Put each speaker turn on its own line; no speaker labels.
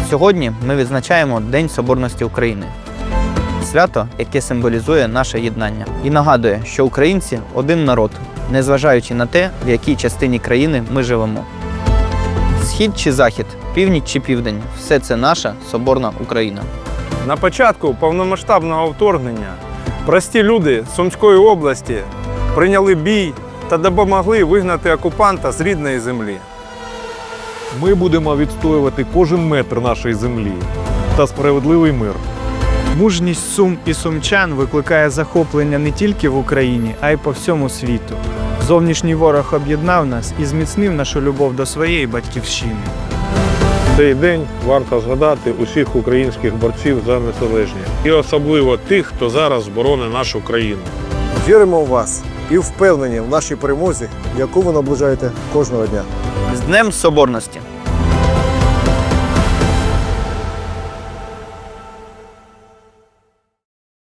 Сьогодні ми відзначаємо День Соборності України. Свято, яке символізує наше єднання. І нагадує, що українці – один народ, незважаючи на те, в якій частині країни ми живемо. Схід чи захід, північ чи південь – все це наша соборна Україна.
На початку повномасштабного вторгнення прості люди Сумської області прийняли бій та допомогли вигнати окупанта з рідної землі.
Ми будемо відстоювати кожен метр нашої землі та справедливий мир.
Мужність Сум і сумчан викликає захоплення не тільки в Україні, а й по всьому світу. Зовнішній ворог об'єднав нас і зміцнив нашу любов до своєї батьківщини.
В цей день варто згадати усіх українських борців за незалежність. І особливо тих, хто зараз боронить нашу країну.
Віримо в вас і впевнені в нашій перемозі, яку ви наближаєте кожного дня.
З Днем Соборності!